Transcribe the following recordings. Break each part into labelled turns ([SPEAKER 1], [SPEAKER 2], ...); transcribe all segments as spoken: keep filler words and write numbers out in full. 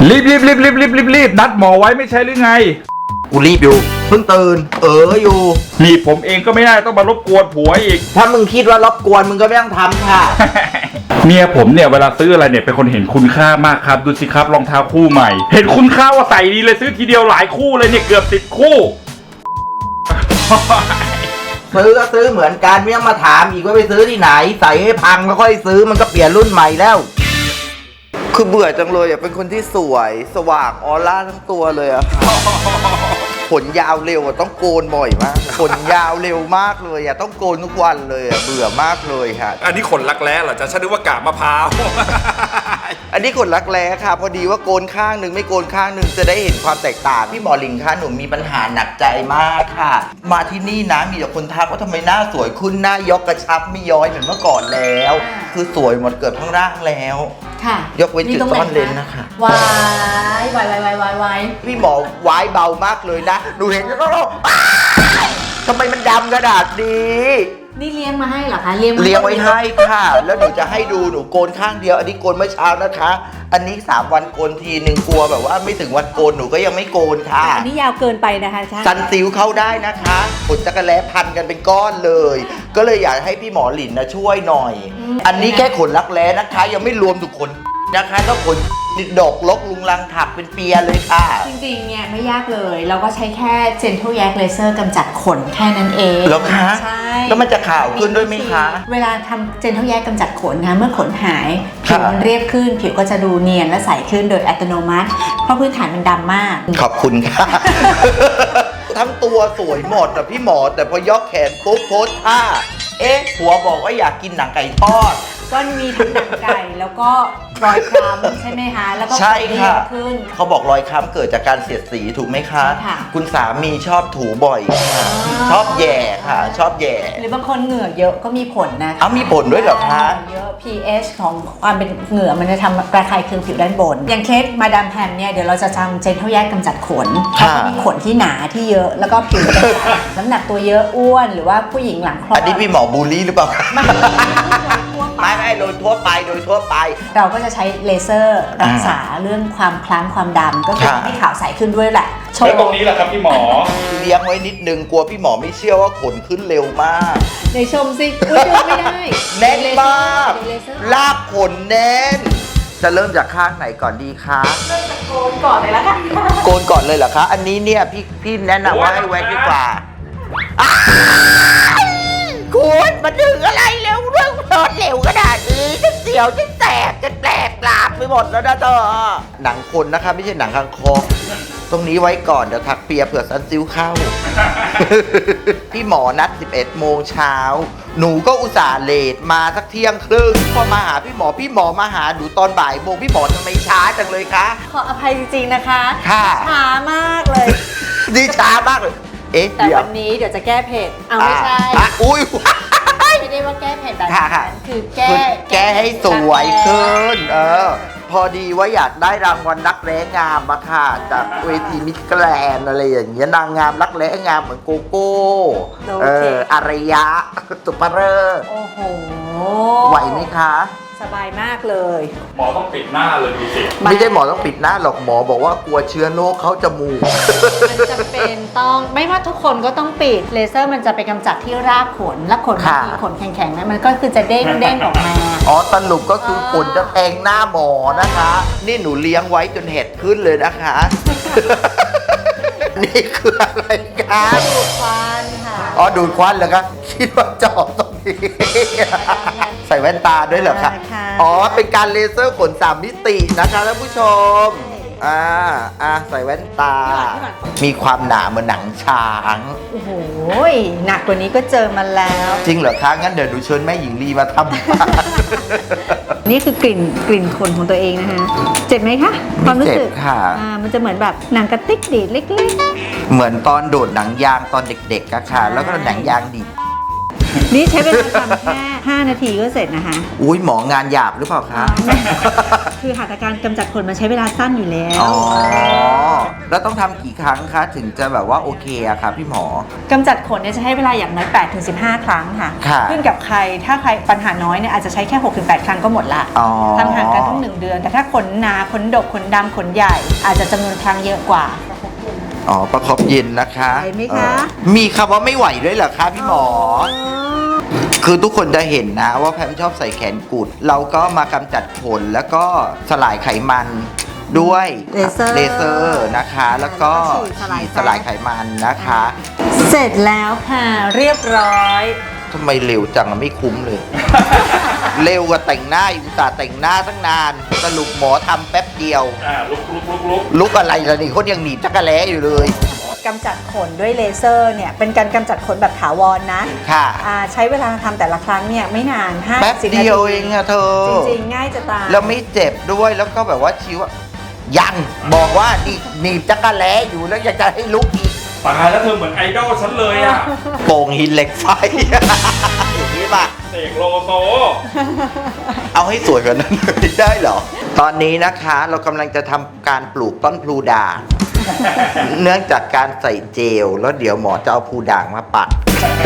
[SPEAKER 1] รีบรีบรีบรีบรีบรีบรีบนัดหมอไว้ไม่ใช่หรือไง
[SPEAKER 2] กูรีบอยู่เพิ่งตื่นเอออยู่
[SPEAKER 1] นี่ผมเองก็ไม่ได้ต้องมารบกวนผัวอีก
[SPEAKER 2] ถ้ามึงคิดว่ารบกวนมึงก็ไม่ต้องทำค่ะ
[SPEAKER 1] เมียผมเนี่ยเวลาซื้ออะไรเนี่ยเป็นคนเห็นคุณค่ามากครับดูสิครับรองเท้าคู่ใหม่เห็นคุณค่าว่าใส่ดีเลยซื้อทีเดียวหลายคู่เลยเนี่ยเกือบสิบคู่
[SPEAKER 2] ซื้อก็ซื้อเหมือนกันไม่ต้องมาถามอีกว่าไปซื้อที่ไหนใส่ให้พังแล้วค่อยซื้อมันก็เปลี่ยนรุ่นใหม่แล้วคือเบื่อจังเลยอ่ะเป็นคนที่สวยสว่างออร่าทั้งตัวเลยอ่ะขนยาวเร็วอ่ะต้องโกนบ่อยมากขนยาวเร็วมากเลยอ่ะต้องโกนทุกวันเลยอ่ะเบื่อมากเลยค่ะ
[SPEAKER 1] อันนี้ขนรักแร้เหรอจ๊ะฉันนึกว่ากาบมะพร้าว
[SPEAKER 2] อันนี้ขนรักแร้ค่ะพอดีว่าโกนข้างหนึ่งไม่โกนข้างหนึ่งจะได้เห็นความแตกต่างพี่หมอลิงคะหนูมีปัญหาหนักใจมากค่ะมาที่นี่นะมีแต่คนทักว่าทำไมหน้าสวยขึ้นหน้ายกกระชับไม่ย้อยเหมือนเมื่อก่อนแล้วคือสวยหมดเกือบทั้งร่างแล้ว
[SPEAKER 3] ค่ะ
[SPEAKER 2] ยกเว้นจุดซ่อนเลนนะคะ
[SPEAKER 3] วายวายวายวายวายวาย
[SPEAKER 2] พี่หมอวายเบามากเลยนะหนูเห็นแล้วก็ร้องทำไมมันดำขนาดนี้
[SPEAKER 3] นี่เลี้ยงมาให้เหรอคะเลี้ยง
[SPEAKER 2] เลี้ยงไว้ให้ค่ะแล้วหนูจะให้ดูหนูโกนข้างเดียวอันนี้โกนเมื่อเช้านะคะอันนี้สามวันโกนทีหนึ่งกลัวแบบว่าไม่ถึงวันโกนหนูก็ยังไม่โกนค่ะ
[SPEAKER 3] อันนี้ยาวเกินไปนะคะใช่
[SPEAKER 2] ซันซิลเข้าได้นะคะขนจักรแล้พันกันเป็นก้อนเลยก็เลยอยากให้พี่หมอหลินนะช่วยหน่อยอันนี้แค่ขนรักแร้นะคะยังไม่รวมทุกคนนะคะก็ขนดอกลกลุงลังถักเป็นเปียเลยค่ะ
[SPEAKER 3] จริงๆเนี่ยไม่ยากเลยเราก็ใช้แค่ Gentle Yak Laser กำจัดขนแค่นั้นเอง
[SPEAKER 2] แล้วคะ
[SPEAKER 3] ใช่
[SPEAKER 2] แล้วมันจะขาวขึ้นด้วยไหมคะ
[SPEAKER 3] เวลาทำ Gentle Yak กำจัดขนนะเมื่อขนหายผิวมันเรียบขึ้นผิวก็จะดูเนียนและใสขึ้นโดยอัตโนมัติเพราะพื้นฐานมันดำมาก
[SPEAKER 2] ขอบคุณค่ะ ทั้งตัวสวยหมดแต่พี่หมอแต่พอยกแขนปุ๊บโพสท่าเอ๊ะผัวบอกว่าอยากกินหนังไก่ทอด
[SPEAKER 3] ก็มีทั้งหนังไก่แล้วก็รอยคล้ำใช่ไหมคะแล้วก็
[SPEAKER 2] ใช่ค่ะ
[SPEAKER 3] ขึ้น
[SPEAKER 2] เขาบอกรอยคล้ำเกิดจากการเสียดสีถูกไหมคะ
[SPEAKER 3] ค่ะ
[SPEAKER 2] คุณสามีชอบถูบ่อยค่ะชอบแย่ค่ะชอบแย่
[SPEAKER 3] หรือบางคนเหงื่อเยอะก็มีผลนะ
[SPEAKER 2] อ้าวมีผลด้วยเหรอคะ
[SPEAKER 3] เยอะ pH ของความเป็นเหงื่อมันจะทำระคายเคืองผิวด้านบนอย่างเคสมาดามแพมเนี่ยเดี๋ยวเราจะทำ Gentle Yak กำจัดขนมีขนที่หนาที่เยอะแล้วก็ผิวน้ำหนักตัวเยอะอ้วนหรือว่าผู้หญิงหลังคลอด
[SPEAKER 2] อันนี้พี่หมอบูลลี่หรือเปล่าไม่ไม่โดยทั่วไปโดยทั่วไป
[SPEAKER 3] เราก็จะใช้เลเซอร์รักษาเรื่องความคล้ำความดำก็คือให้ขาวใสขึ้นด้วยแหละ
[SPEAKER 1] แล้วตรงนี้แหละครับพี่หมอ
[SPEAKER 2] เลี้ยงไว้นิดนึงกลัวพี่หมอไม่เชื่อว่าขนขึ้นเร็วมาก
[SPEAKER 3] ในชมสิอุ้ยดูไม่ได้
[SPEAKER 2] แน่นมากลากขนแน่นจะเริ่มจากข้างไหนก่อนดีคะ
[SPEAKER 3] เริ่มจากโกนก่อนเลยละค่ะ
[SPEAKER 2] โกนก่อนเลยเหรอคะอันนี้เนี่ยพี่พี่แนะนำว่าให้แว็กดีกว่าคุณมาดึงอะไรเร็วเรื่องรถเร็วขนาดนี้จะเสียวจะแตกจะแตกกลาบไปหมดแล้วนะเธอหนังคนนะคะไม่ใช่หนังคางคกตรงนี้ไว้ก่อนเดี๋ยวทักเปียเผื่อซันซิวเข้า พี่หมอนัดสิบเอ็ดโมงเช้าหนูก็อุตส่าห์เลทมาสักเที่ยงครึ่งพอมาหาพี่หมอพี่หมอมาหาหนูตอนบ่ายโมงพี่หมอทำไมช้าจังเลยคะ
[SPEAKER 3] ขออภัยจริงๆนะคะ
[SPEAKER 2] ค่ะ
[SPEAKER 3] ช้ามากเลย
[SPEAKER 2] ดีช้ามากเลยเอ๊ะ
[SPEAKER 3] แต่วันนี้เดี๋ยวจะแก้เผ็ดเอาไม่ใช่
[SPEAKER 2] อุ้ย
[SPEAKER 3] ไม่ได้ว่าแก้เผ็ดแบบนั้นคือแก้
[SPEAKER 2] แก้ให้สวยขึ้นเออพอดีว่าอยากได้รางวัลรักแร้งามมาค่ะจากเวทีมิสแกรนด์อะไรอย่างเงี้ยนางงามรักแร้งามเหมือนโกโก้เอออารยะสุภเริศ
[SPEAKER 3] โอ้โห
[SPEAKER 2] ไหวไหมคะ
[SPEAKER 3] สบายมากเลย
[SPEAKER 1] หมอต้องปิดหน้าเลยดูสิ
[SPEAKER 2] ไม่ใช่หมอต้องปิดหน้าหรอกหมอบอกว่ากลัวเชื้อโรคเขาจมูก
[SPEAKER 3] มันจะเป็นต้องไม่ว่าทุกคนก็ต้องปิดเลเซอร์มันจะไปกำจัดที่รากขนและขนที่ขนแข็งๆนั้นมันก็คือจะเด้งเด้งออกมา
[SPEAKER 2] อ๋อสรุปก็คือขนจะแทงหน้าหมอนะคะนี่หนูเลี้ยงไว้จนเห็ดขึ้นเลยนะคะนี่คืออะไรคะ
[SPEAKER 3] ดูดควันค่ะ
[SPEAKER 2] อ๋อดูดควันเหรอคะคิดว่าเจาะตรงนี้ใส่แว่นตาด้วยเหรอคะอ๋อเป็นการเลเซอร์ขนสามมิตินะคะท่านผู้ชมอ่าอ่าใส่แว่นตามีความหนาเหมือนหนังช้าง
[SPEAKER 3] โอ้โหหนักกว่านี้ก็เจอมาแล้ว
[SPEAKER 2] จริงเหรอคะงั้นเดี๋ยวดูเชิญแม่หญิงลีมาท
[SPEAKER 3] ำนี่คือกลิ่นกลิ่นขนของตัวเองนะคะเจ็บไหมคะความรู้สึก
[SPEAKER 2] ค่ะ
[SPEAKER 3] อ่ามันจะเหมือนแบบหนังกระติกดีดเล็ก
[SPEAKER 2] ๆเหมือนตอนโดดหนังยางตอนเด็กๆอะค่ะแล้วก็หนังยางดีด
[SPEAKER 3] นี่ใช้เวลาทำแค่ห้านาทีก็เสร็จนะคะ
[SPEAKER 2] อุ้ยหมองานหยาบหรือเปล่าคะ
[SPEAKER 3] คือหัตถการกำจัดขนมันใช้เวลาสั้นอยู่แล้ว
[SPEAKER 2] อ๋อ แล้วต้องทำกี่ครั้งคะถึงจะแบบว่าโอเคอะคะพี่หมอ
[SPEAKER 3] กำจัดขนเนี่ยจะให้เวลาอย่างน้อยแปดถึงสิบห้า ครั้งค่ะ
[SPEAKER 2] ค่ะ
[SPEAKER 3] ขึ้นกับใครถ้าใครปัญหาน้อยเนี่ยอาจจะใช้แค่ หกถึงแปด ครั้งก็หมดละ
[SPEAKER 2] อ๋อ
[SPEAKER 3] ทำห่างกันทั้งหนึ่งเดือน แต่ถ้าขนหนาขนดกขนดำขนใหญ่ อาจจะจำนวนครั้งเยอะกว่า
[SPEAKER 2] อ๋อ ประคบเย็นนะคะ
[SPEAKER 3] ไหวไหมคะ
[SPEAKER 2] เออมีคำว่าไม่ไหวด้วยเหรอคะพี่หมอ คือทุกคนจะเห็นนะว่าแพมชอบใส่แขนกุด เราก็มากำจัดขนแล้วก็สลายไขมันด้วย
[SPEAKER 3] เลเซอร์
[SPEAKER 2] เลเซอร์นะคะ แล้วก็
[SPEAKER 3] แล้วก็ฉีดสลาย
[SPEAKER 2] ฉีดสลายไขมันนะคะ
[SPEAKER 3] เสร็จแล้วค่ะเรียบร้อย
[SPEAKER 2] ทำไมเร็วจังอะไม่คุ้มเลย เร็วกว่าแต่งหน้าอยู่แต่แต่งหน้าตั้งนาน สรุปหมอทำแป๊บเดียว
[SPEAKER 1] อ่าลุกลุกลุกลุก
[SPEAKER 2] ลุกอะไรล่ะนี่คนยังหนีบจักรแล้อยู่เลย
[SPEAKER 3] กำจัดขนด้วยเลเซอร์เนี่ยเป็นการกำจัดขนแบบถาวรนะ
[SPEAKER 2] ค่ะ
[SPEAKER 3] อ่าใช้เวลาทำแต่ละครั้งเนี่ยไม่นานห้า
[SPEAKER 2] แป๊บ
[SPEAKER 3] สิบนา
[SPEAKER 2] เดี
[SPEAKER 3] ที
[SPEAKER 2] ยวเองอะเธอ
[SPEAKER 3] จริงๆ ง่ายจะตาย
[SPEAKER 2] แล้วไม่เจ็บด้วยแล้วก็แบบว่าชิวอะยังบอกว่านี่หนีบจักรแล้อยู่แล้วอยากจะให้ลุกอีก
[SPEAKER 1] ตายแล้วเธอเหมือนไอดอลฉันเลยอ่ะ
[SPEAKER 2] โป่งหินเหล็กไฟ อย่างนี้ป่ะ
[SPEAKER 1] เสกโลโซ
[SPEAKER 2] เอาให้สวยกว่านั้นเลยได้เหรอ ตอนนี้นะคะเรากำลังจะทำการปลูกต้นพลูด่าง เนื่องจากการใส่เจล แล้วเดี๋ยวหมอจะเอาพลูด่างมาปัด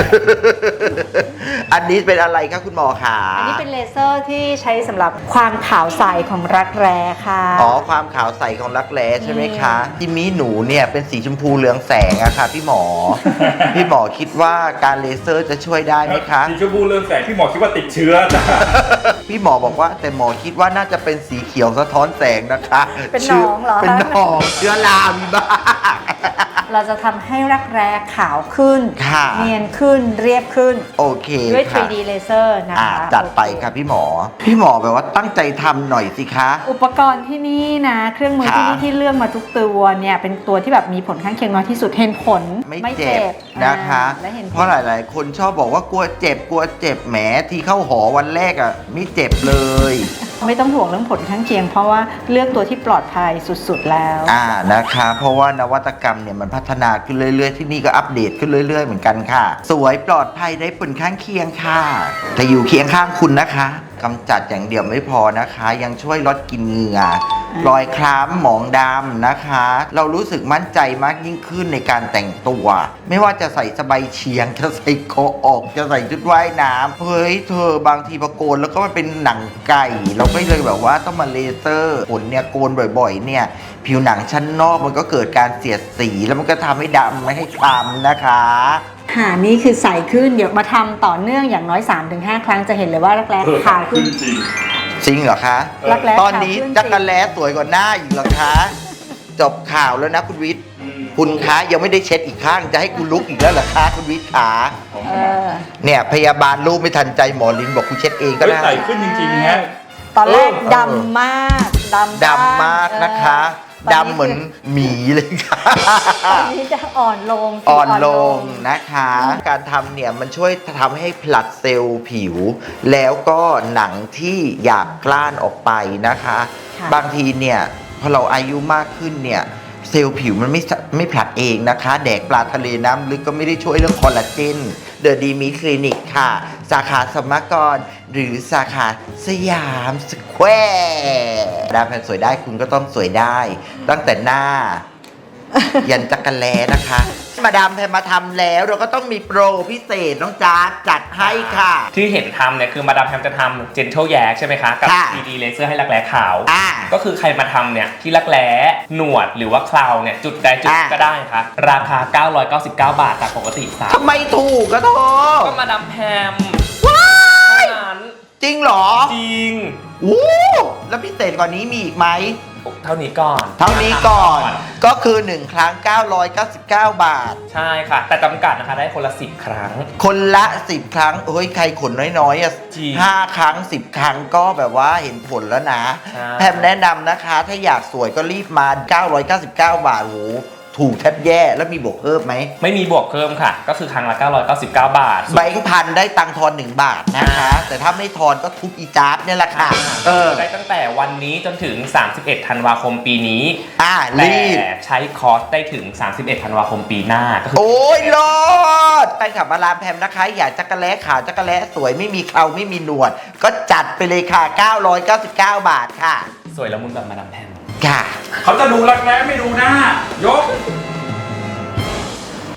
[SPEAKER 2] อันนี้เป็นอะไรคะคุณหมอขา
[SPEAKER 3] อันนี้เป็นเลเซอร์ที่ใช้สำหรับความขาวใสของรักแร้ค่ะ
[SPEAKER 2] อ๋อความขาวใสของรักแร้ใช่ไหมคะที่มีหนูเนี่ยเป็นสีชมพูเหลืองแสงอะค่ะพี่หมอ พี่หมอคิดว่าการเลเซอร์จะช่วยได้ไหมคะ
[SPEAKER 1] สีชมพูเรืองแสงพี่หมอคิดว่าติดเชื้อจ้ะ
[SPEAKER 2] พี่หมอบอกว่าแต่หมอคิดว่าน่าจะเป็นสีเขียวสะท้อนแสงนะคะ
[SPEAKER 3] เป็นหนองเหรอ
[SPEAKER 2] เป็นหนองเชื้อรามีบ้าง
[SPEAKER 3] เราจะทำให้รักแร้ขาวขึ้น
[SPEAKER 2] ค่ะ
[SPEAKER 3] เนียนขึ้นเรียบขึ้น
[SPEAKER 2] โอเค
[SPEAKER 3] ด้วย
[SPEAKER 2] ค่ะ
[SPEAKER 3] ทรี ดี เลเซอร์นะ
[SPEAKER 2] อ่า
[SPEAKER 3] คะ
[SPEAKER 2] จัดไปค่ะพี่หมอ พี่หมอแบบว่าตั้งใจทำหน่อยสิคะ
[SPEAKER 3] อุปกรณ์ที่นี่นะ เครื่องมือที่
[SPEAKER 2] ค่ะ
[SPEAKER 3] นี่ที่เลือกมาทุกตัวเนี่ยเป็นตัวที่แบบมีผลข้างเคียงน้อยที่สุดเห็นผล
[SPEAKER 2] ไม่เจ็บนะคะ
[SPEAKER 3] อ่าและเห็นผล
[SPEAKER 2] เพราะหลาย ๆ คนชอบบอกว่ากลัวเจ็บกลัวเจ็บแหมที่เข้าหอวันแรกอ่ะไม่เจ็บเลย
[SPEAKER 3] ไม่ต้องห่วงเรื่องผลข้างเคียง เพราะว่าเลือกตัวที่ปลอดภัยสุดๆแล้ว
[SPEAKER 2] อ่านะคะ เพราะว่านวัตกรรมเนี่ยมันพัฒนาขึ้นเรื่อย ๆ ที่นี่ก็อัปเดตขึ้นเรื่อย ๆ เหมือนกันค่ะ สวยปลอดภัยได้ผลข้างเคียงค่ะแต่อยู่เคียงข้างคุณนะคะกำจัดอย่างเดียวไม่พอนะคะ ยังช่วยลดกลิ่นเหงื่อรอยคล้ำหมองดำนะคะ เรารู้สึกมั่นใจมากยิ่งขึ้นในการแต่งตัว ไม่ว่าจะใส่สบายเฉียงจะใส่โคออกจะใส่ชุดว่ายน้ำเฮ้ยเธอบางทีพอโกนแล้วก็มันเป็นหนังไก่ เราก็เลยแบบว่าต้องมาเลเซอร์ขนเนี่ยโกนบ่อยๆเนี่ยผิวหนังชั้นนอกมันก็เกิดการเสียดสีแล้วมันก็ทำให้ดำไม่ให้คล้ำนะคะ
[SPEAKER 3] หานี่คือใสขึ้น เดี๋ยวมาทำต่อเนื่องอย่างน้อย สามถึงห้า ครั้งจะเห็นเลยว่ารักแร้
[SPEAKER 1] เออ
[SPEAKER 3] ขาวขึ้น
[SPEAKER 1] จริง
[SPEAKER 2] จริงเหรอคะ
[SPEAKER 3] รักแร้
[SPEAKER 2] ตอนนี้
[SPEAKER 3] ขาวขึ้น
[SPEAKER 2] จักรแล้สวยกว่าหน้าอีกเหรอคะ จบข่าวแล้วนะคุณวิทย์
[SPEAKER 1] อืม
[SPEAKER 2] คุณคะยังไม่ได้เช็ดอีกข้างจะให้คุณลุกอีกแล้วเหรอคะคุณวิทย์ขา
[SPEAKER 3] เออ
[SPEAKER 2] เนี่ยพยาบาลรูปไม่ทันใจหมอลินบอกคุณเช็ดเองก็
[SPEAKER 1] เฮ้ย
[SPEAKER 2] ได้
[SPEAKER 1] ใส่ขึ้นจริงๆฮะ
[SPEAKER 3] ตอนแรก
[SPEAKER 2] เออ
[SPEAKER 3] ดำมากดำ
[SPEAKER 2] ดำมากนะคะ
[SPEAKER 3] เออ
[SPEAKER 2] ดำเหมือนหมีเลยค่ะ
[SPEAKER 3] ตอนนี้จะอ่อนลงสี
[SPEAKER 2] อ่อนลงนะคะ การทำเนี่ยมันช่วยทำให้ผลัดเซลล์ผิว แล้วก็หนังที่อยากกล้านออกไปนะคะ
[SPEAKER 3] ค่ะ
[SPEAKER 2] บางทีเนี่ยพอเราอายุมากขึ้นเนี่ยเซลล์ผิวมันไม่สะไม่ผลัดเองนะคะ แดกปลาทะเลน้ำลึกก็ไม่ได้ช่วยเรื่องคอลลาเจนเดอะดีมีคลินิกค่ะ สาขาสมกร หรือสาขาสยามสแควร์ดาแพนสวยได้คุณก็ต้องสวยได้ ตั้งแต่หน้า ยันจักรแล้นะคะ มาดามแพมมาทำแล้วเราก็ต้องมีโปรพิเศษน้องจ๊าดจัดให้ค่ะ
[SPEAKER 4] ที่เห็นทำเนี่ยคือมาดามแพมจะทำ Gentle Yak ใช่ไหมคะ กับ
[SPEAKER 2] ค่ะ
[SPEAKER 4] ทรี ดี Laser ให้รักแร้ขาว
[SPEAKER 2] อ่า
[SPEAKER 4] ก็คือใครมาทำเนี่ยที่รักแร้หนวดหรือว่าเคราวเนี่ยจุดใดจุด
[SPEAKER 2] อ่า
[SPEAKER 4] ก็ได้ค่ะ ราคา เก้าร้อยเก้าสิบเก้า บาทจากปกติสาม
[SPEAKER 2] ทำไมถูกก็โท
[SPEAKER 4] ก็มาดามแพม
[SPEAKER 2] ว้า
[SPEAKER 4] เท่าย นั้น
[SPEAKER 2] จริงเหรอ
[SPEAKER 4] จริง
[SPEAKER 2] วู้แล้วพิเศษกว่านี้มีอีกไหม
[SPEAKER 4] เท่านี้ก่อน
[SPEAKER 2] เท่านี้ก่อน ก็คือ หนึ่ง ครั้ง เก้าร้อยเก้าสิบเก้า บาท
[SPEAKER 4] ใช่ค่ะ แต่จำกัดนะคะได้คนละสิบครั้ง
[SPEAKER 2] คนละสิบครั้งเฮ้ยใครขนน้อยๆอ่ะ
[SPEAKER 4] จริง
[SPEAKER 2] ห้าครั้งสิบครั้งก็แบบว่าเห็นผลแล้วนะ
[SPEAKER 4] ใช่
[SPEAKER 2] แพมแนะนำนะคะ ถ้าอยากสวยก็รีบมา เก้าร้อยเก้าสิบเก้า บาทโหถูกแทบแย่แล้วมีบวกเพิ่มไหม
[SPEAKER 4] ไม่มีบวกเพิ่มค่ะ ก็คือครั้งละเก้าร้อยเก้าสิบเก้าบาท
[SPEAKER 2] ใบพันได้ตังค์ทอนหนึ่งบาทนะคะ แต่ถ้าไม่ทอนก็ทุบอีจ๊าบเนี่ยแหละค่ะเออ
[SPEAKER 4] ได้ตั้งแต่วันนี้จนถึง สามสิบเอ็ด ธันวาคมปีนี้
[SPEAKER 2] อ่า
[SPEAKER 4] แต่
[SPEAKER 2] รีบ
[SPEAKER 4] ใช้คอร์สได้ถึง สามสิบเอ็ด ธันวาคมปีหน้าก็คือ
[SPEAKER 2] โอ้ยรอดแฟนคลับมาลามแพมนะคะ อยากจักระแล้ขาวจักระแล้สวยไม่มีเคราไม่มีหนวด ก็จัดไปเลยค่ะ เก้าร้อยเก้าสิบเก้า บาทค่ะ
[SPEAKER 4] สวยละมุนแบบมาดามแพม
[SPEAKER 2] ค่ะ
[SPEAKER 1] เขาจะดูรักแร้ไม่ดูหน้ายก